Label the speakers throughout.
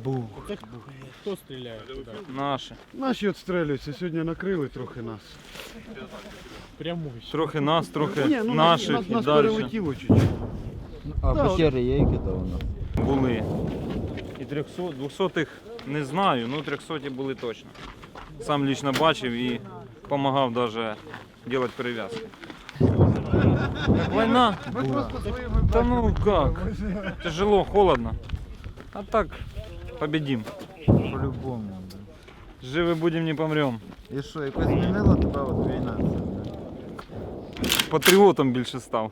Speaker 1: Хто стріляє туди?
Speaker 2: Наші.
Speaker 3: Наші відстрілюються, сьогодні накрили трохи нас.
Speaker 1: Пряму.
Speaker 2: Трохи нас, трохи
Speaker 3: Ні, ну,
Speaker 2: наших і
Speaker 3: нас
Speaker 2: далі
Speaker 3: перелетіло чуть-чуть.
Speaker 4: А
Speaker 3: Да,
Speaker 4: пещери є які-то у нас?
Speaker 2: були. І 300, 200-х не знаю, ну 300-ті були точно. Сам лично бачив і допомагав навіть робити перев'язки. Війна? Та ну як? Тяжело, холодно. А так победим.
Speaker 4: По-любому. Да.
Speaker 2: Живі будемо, не помремо.
Speaker 4: І що, якось змінила тебе от війна?
Speaker 2: Патріотом більше став.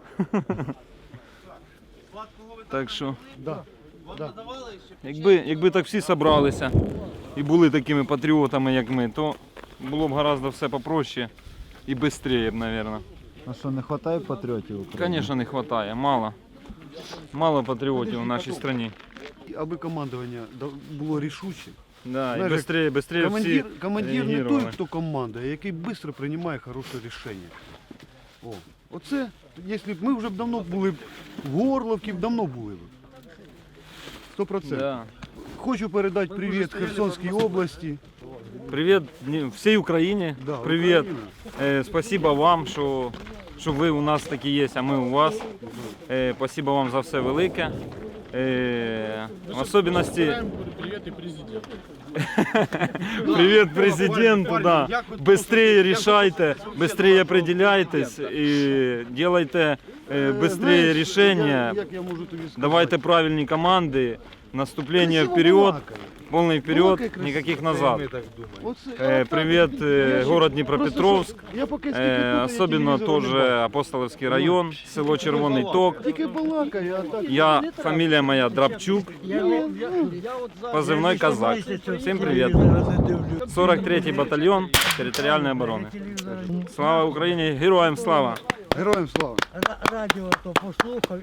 Speaker 2: Так що,
Speaker 3: Да. Да.
Speaker 2: якби так всі зібралися і були такими патріотами, як ми, то було б гораздо все попроще і швидше, мабуть.
Speaker 4: А що, не вистачає патріотів України?
Speaker 2: Звісно, не вистачає, мало. Мало патріотів в нашій країні.
Speaker 3: Аби командування було рішуче.
Speaker 2: Да, і
Speaker 3: Знаєш,
Speaker 2: швидше всі
Speaker 3: Командир не той,
Speaker 2: реагували.
Speaker 3: хто командує, а який швидко приймає хороше рішення. О, оце, якщо б ми вже б давно були б в Горловці, давно були б. 100%.
Speaker 2: Да.
Speaker 3: Хочу передати привіт Херсонській області.
Speaker 2: Привіт всій Україні.
Speaker 3: Да,
Speaker 2: Привіт.
Speaker 3: Україна.
Speaker 2: Спасибо вам, що ви у нас такі є, а ми у вас. Спасибо вам за все велике. В особенности
Speaker 1: Привіт і президенту.
Speaker 2: привет президенту, да. Быстрее решайте, быстрее определяйтесь и делайте быстрее
Speaker 3: Знаєш,
Speaker 2: решения.
Speaker 3: як я можу тобі сказати?
Speaker 2: Давайте правильные команды, наступление
Speaker 3: Красиво
Speaker 2: вперед,
Speaker 3: балакає.
Speaker 2: полный вперед,
Speaker 3: Балакай красиво.
Speaker 2: никаких назад.
Speaker 3: Оце,
Speaker 2: Привет, город Днепропетровск,
Speaker 3: Я поки скільки тут, я
Speaker 2: особенно
Speaker 3: телевізора не
Speaker 2: тоже
Speaker 3: бачу.
Speaker 2: Апостоловский район, село Червоний Ток.
Speaker 3: Тільки балакає, а так.
Speaker 2: Я, фамилия моя Драбчук, позывной Казак. Всем привет. 43-й батальон территориальной обороны. Слава Україні, героям слава!
Speaker 3: Героям слава!
Speaker 5: Радіо то послухав